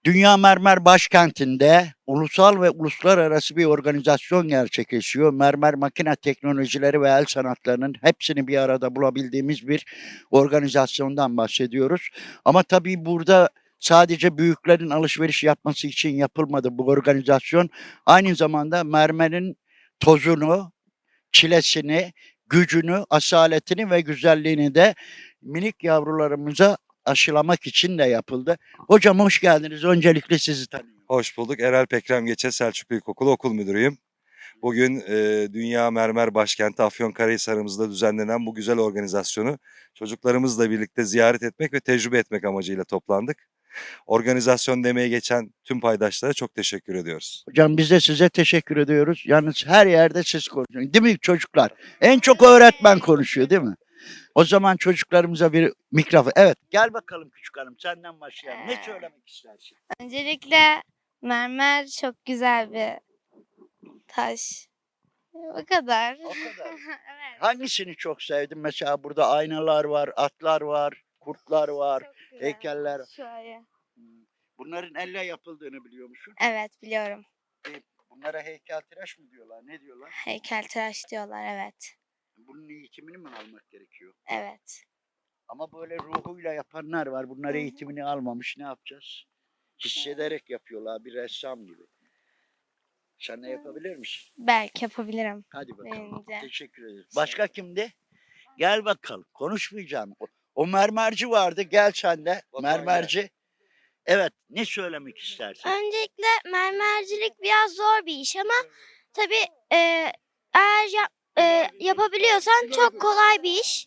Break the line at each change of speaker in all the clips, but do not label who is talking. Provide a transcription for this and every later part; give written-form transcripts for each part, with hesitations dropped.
Dünya Mermer Başkenti'nde ulusal ve uluslararası bir organizasyon gerçekleşiyor. Mermer makine teknolojileri ve el sanatlarının hepsini bir arada bulabildiğimiz bir organizasyondan bahsediyoruz. Ama tabii burada sadece büyüklerin alışveriş yapması için yapılmadı bu organizasyon. Aynı zamanda mermerin tozunu, çilesini, gücünü, asaletini ve güzelliğini de minik yavrularımıza aşılamak için de yapıldı. Hocam hoş geldiniz. Öncelikle sizi tanıyorum.
Hoş bulduk. Erel Pekrem Geçe Selçuklu İlkokulu okul müdürüyüm. Bugün Dünya Mermer Başkenti Afyonkarahisar'ımızda düzenlenen bu güzel organizasyonu çocuklarımızla birlikte ziyaret etmek ve tecrübe etmek amacıyla toplandık. Organizasyon demeye geçen tüm paydaşlara çok teşekkür ediyoruz.
Hocam biz de size teşekkür ediyoruz. Yalnız her yerde siz konuşuyorsunuz. Değil mi çocuklar? En çok öğretmen konuşuyor değil mi? O zaman çocuklarımıza bir mikrofon. Evet gel bakalım küçük hanım senden başlayalım. Ne söylemek istersin?
Öncelikle mermer çok güzel bir taş. O kadar.
O kadar.
Evet.
Hangisini çok sevdin? Mesela burada aynalar var, atlar var, kurtlar var,
Çok güzel.
heykeller.
Şöyle.
Bunların elle yapıldığını biliyor musun?
Evet biliyorum.
Bunlara heykeltıraş mı diyorlar? Ne diyorlar?
Heykeltıraş diyorlar evet.
Bunun eğitimini mi almak gerekiyor?
Evet.
Ama böyle ruhuyla yapanlar var. Bunlar
Hı hı.
eğitimini almamış. Ne yapacağız? Hissederek yapıyorlar. Bir ressam gibi. Sen de yapabilir misin?
Belki yapabilirim.
Hadi bakalım.
Bence.
Teşekkür ederim. Başka kimdi? Gel bakalım. Konuşmayacağım. O mermerci vardı. Gel sen de.
Batuhan
Mermerci. Evet. Ne söylemek istersin?
Öncelikle mermercilik biraz zor bir iş ama tabii eğer yapabiliyorsan çok kolay bir iş.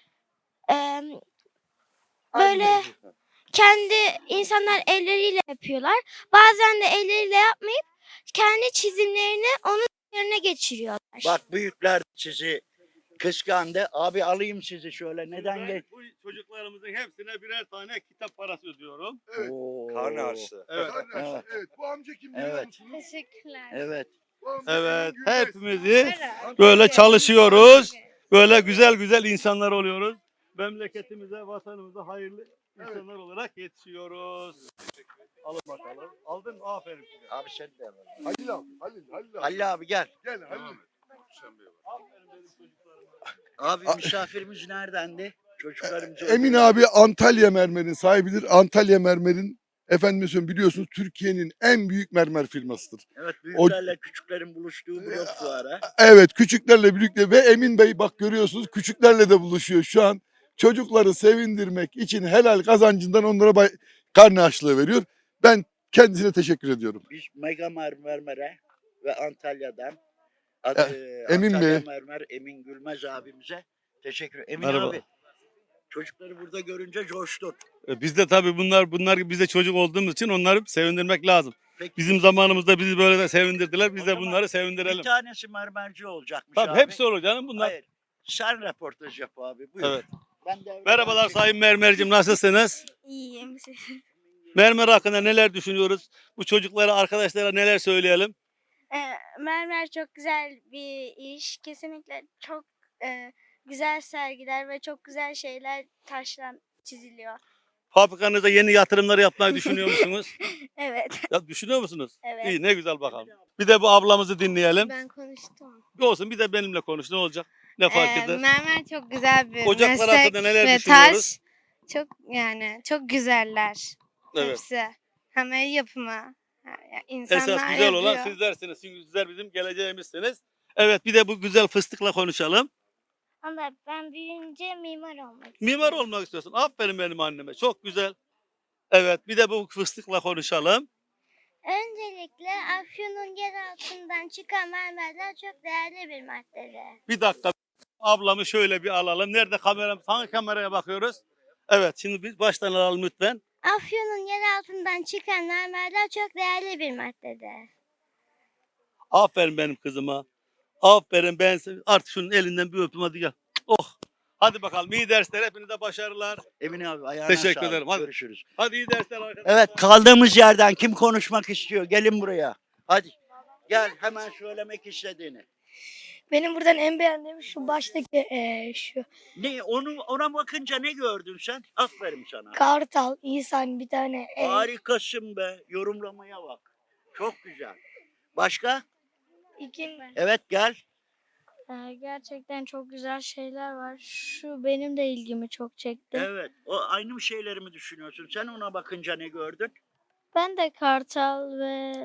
Böyle kendi insanlar elleriyle yapıyorlar. Bazen de elleriyle yapmayıp kendi çizimlerini onun üzerine geçiriyorlar.
Bak büyükler sizi kıskandı. Abi alayım sizi şöyle. Neden
Ben
geç?
bu çocuklarımızın hepsine birer tane kitap parası ödüyorum.
Evet.
Oo.
Karne harçlığı.
Evet.
Kardeş,
Evet.
evet. Bu amca kim biliyor
Evet.
musunuz?
Teşekkürler.
Evet.
Bu amca
Evet.
Emin Gülmez.
Hepimizi böyle çalışıyoruz. Böyle güzel güzel insanlar oluyoruz. Memleketimize, vatanımıza hayırlı insanlar olarak yetişiyoruz. Alın bakalım. Aldın mı? Aferin size.
Abi sen de al.
Halil abi, Halil abi.
Halil abi gel.
Gel Halil.
Aferin benim çocuklarıma.
Abi misafirimiz neredendi? Çocuklarımız
Emin abi Antalya Mermer'in sahibidir. Antalya Mermer'in efendim söyleyeyim biliyorsunuz Türkiye'nin en büyük mermer firmasıdır.
Evet büyüklerle küçüklerin buluştuğu blok fuarı.
Evet küçüklerle birlikte ve Emin Bey bak görüyorsunuz küçüklerle de buluşuyor şu an. Çocukları sevindirmek için helal kazancından onlara karne harçlığı veriyor. Ben kendisine teşekkür ediyorum.
Biz Mega Mermer'e ve Antalya'dan
Emin
Antalya
Bey.
Mermer Emin Gülmez abimize teşekkür ederim. Emin
Merhaba.
abi çocukları burada görünce coştun.
Biz de tabii bunlar gibi biz de çocuk olduğumuz için onları sevindirmek lazım.
Peki,
Bizim zamanımızda bizi böyle de sevindirdiler. Biz
O
de
zaman
bunları
bir
sevindirelim.
tanesi mermerci olacakmış
Tabii
abi.
hepsi olur canım bunlar.
Hayır. Sen röportaj yap abi. Buyur.
Evet.
Ben de
Merhabalar Sayın Mermercim, nasılsınız?
İyiyim.
Mermer hakkında neler düşünüyoruz? Bu çocuklara, arkadaşlara neler söyleyelim?
Mermer çok güzel bir iş. Kesinlikle çok güzel sergiler ve çok güzel şeyler taşla çiziliyor.
Fabrikanızda yeni yatırımları yapmayı düşünüyor musunuz?
Evet.
Ya düşünüyor musunuz?
Evet.
İyi, ne güzel bakalım. Bir de bu ablamızı dinleyelim.
Ben konuştum.
Olsun, bir de benimle konuş, ne olacak? Ne fark eder?
Mermer çok güzel bir
Ocaklar
meslek
hakkında neler
ve
düşünüyoruz?
taş çok çok güzeller
Evet.
hepsi. Hem el yapımı.
Esas
İnsanlar
güzel olan
yapıyor.
sizlersiniz. Sizler bizim geleceğimizsiniz. Evet, bir de bu güzel fıstıkla konuşalım.
Ama ben büyüyünce mimar olmak istiyorum.
Mimar olmak istiyorsun. Aferin benim anneme. Çok güzel. Evet, bir de bu fıstıkla konuşalım.
Öncelikle Afyon'un yer altından çıkan mermerler çok değerli bir maddedir.
Bir dakika. Ablamı şöyle bir alalım. Nerede kameram? Hangi kameraya bakıyoruz? Evet, şimdi biz baştan alalım lütfen.
Afyon'un yer altından çıkan mermerler çok değerli bir maddedir.
Aferin benim kızıma. Aferin ben artık şunun elinden bir öpüm hadi gel. Oh. Hadi bakalım iyi dersler, hepinize başarılar.
Emin abi ayağına
Teşekkür
sağlık.
ederim. Hadi.
Görüşürüz.
Hadi iyi dersler arkadaşlar.
Evet kaldığımız yerden kim konuşmak istiyor? Gelin buraya. Hadi. Gel hemen söylemek istediğini.
Benim buradan en beğendiğim şu baştaki şu
Ne ona bakınca ne gördün sen? Aferin sana.
kartal, insan bir tane
Harikasın be. Yorumlamaya bak. Çok güzel. Başka?
ikin
Evet gel.
Gerçekten çok güzel şeyler var. Şu benim de ilgimi çok çekti.
Evet. O aynı şeyleri mi düşünüyorsun? Sen ona bakınca ne gördün?
Ben de kartal ve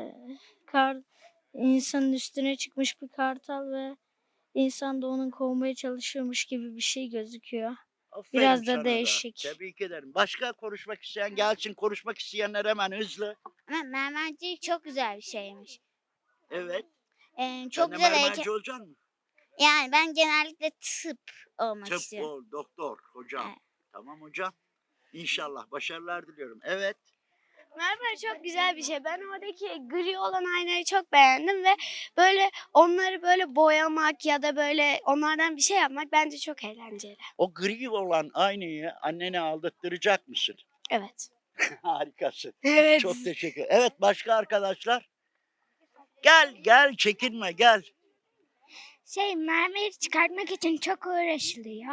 insanın üstüne çıkmış bir kartal ve insan da onun kovmaya çalışıyormuş gibi bir şey gözüküyor.
Aferin
Biraz da
sana
değişik.
Tebrik ederim. Başka konuşmak isteyen gelsin. Konuşmak isteyenler hemen hızlı.
Ama mermercilik çok güzel bir şeymiş.
Evet.
Çok
Sen de
güzel
mermerci olacaksın mı?
Yani ben genellikle tıp olmak
Tıp
istiyorum.
ol, doktor, hocam.
Evet.
Tamam hocam. İnşallah başarılar diliyorum. Evet.
Mermer çok güzel bir şey. Ben oradaki gri olan aynayı çok beğendim ve böyle onları böyle boyamak ya da böyle onlardan bir şey yapmak bence çok eğlenceli.
O gri olan aynayı annene aldırtacak mısın?
Evet.
Harikasın.
Evet.
Çok teşekkür. Evet başka arkadaşlar? Gel çekinme gel.
Mermeri çıkartmak için çok uğraşılıyor.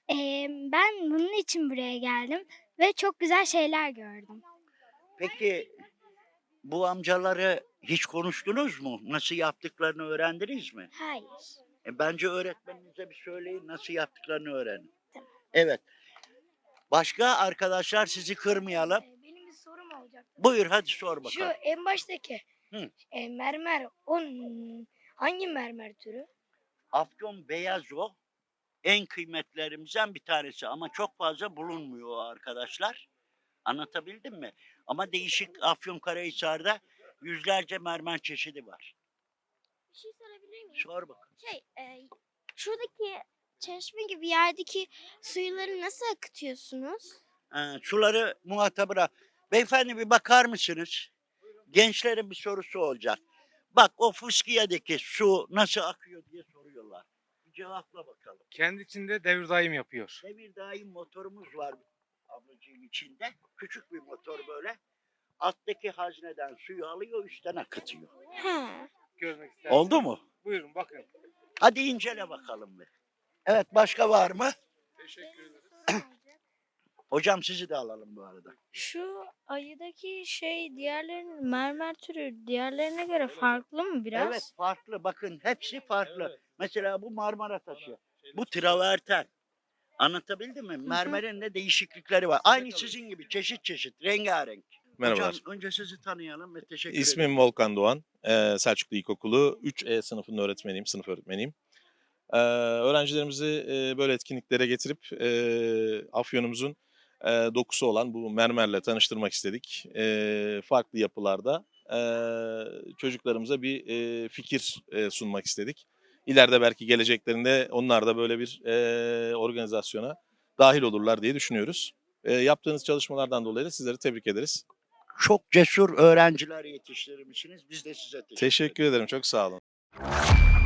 Ben bunun için buraya geldim ve çok güzel şeyler gördüm.
Peki bu amcaları hiç konuştunuz mu? Nasıl yaptıklarını öğrendiniz mi?
Hayır.
Bence öğretmeninize bir söyleyin nasıl yaptıklarını öğrenin. Evet. Başka arkadaşlar sizi kırmayalım.
benim bir sorum olacak.
Buyur hadi sor
Şu
bakalım.
en baştaki
Hı.
Mermer hangi mermer türü?
Afyon beyaz o. En kıymetlerimizden bir tanesi ama çok fazla bulunmuyor o arkadaşlar. Anlatabildim mi? Ama değişik Afyonkarahisar'da yüzlerce mermer çeşidi var.
Bir şey sorabilir miyim?
Sor bakalım.
Şuradaki çeşme gibi yerdeki suyları nasıl akıtıyorsunuz?
Suları muhatabına. Beyefendi bir bakar mısınız? Gençlerin bir sorusu olacak. Bak o fıskiyedeki su nasıl akıyor diye soruyorlar. Bir cevapla bakalım.
Kendi içinde devir daim yapıyor.
Devir daim motorumuz var ablacığım içinde. Küçük bir motor böyle. Alttaki hazneden suyu alıyor üstten akıtıyor.
Görmek isterseniz.
Oldu mu?
Buyurun bakın.
Hadi incele bakalım bir. Evet başka var mı?
Teşekkür ederim.
Hocam sizi de alalım bu arada.
Şu ayıdaki diğerlerinin mermer türü diğerlerine göre farklı mı biraz?
Evet farklı bakın hepsi farklı. Mesela bu Marmara taşı. Bu traverten. Anlatabildim mi? Mermerin de değişiklikleri var. Aynı sizin gibi çeşit çeşit rengarenk.
Merhabalar.
Hocam önce sizi tanıyalım ve teşekkür
İsmim
ederim.
Volkan Doğan. Selçuklu İlkokulu 3E sınıfının öğretmeniyim, sınıf öğretmeniyim. Öğrencilerimizi böyle etkinliklere getirip Afyon'umuzun dokusu olan bu mermerle tanıştırmak istedik. Farklı yapılarda çocuklarımıza bir fikir sunmak istedik. İleride belki geleceklerinde onlar da böyle bir organizasyona dahil olurlar diye düşünüyoruz. Yaptığınız çalışmalardan dolayı da sizleri tebrik ederiz.
Çok cesur öğrenciler yetiştirmişsiniz. Biz de size teşekkür ederiz.
Teşekkür ederim, çok sağ olun.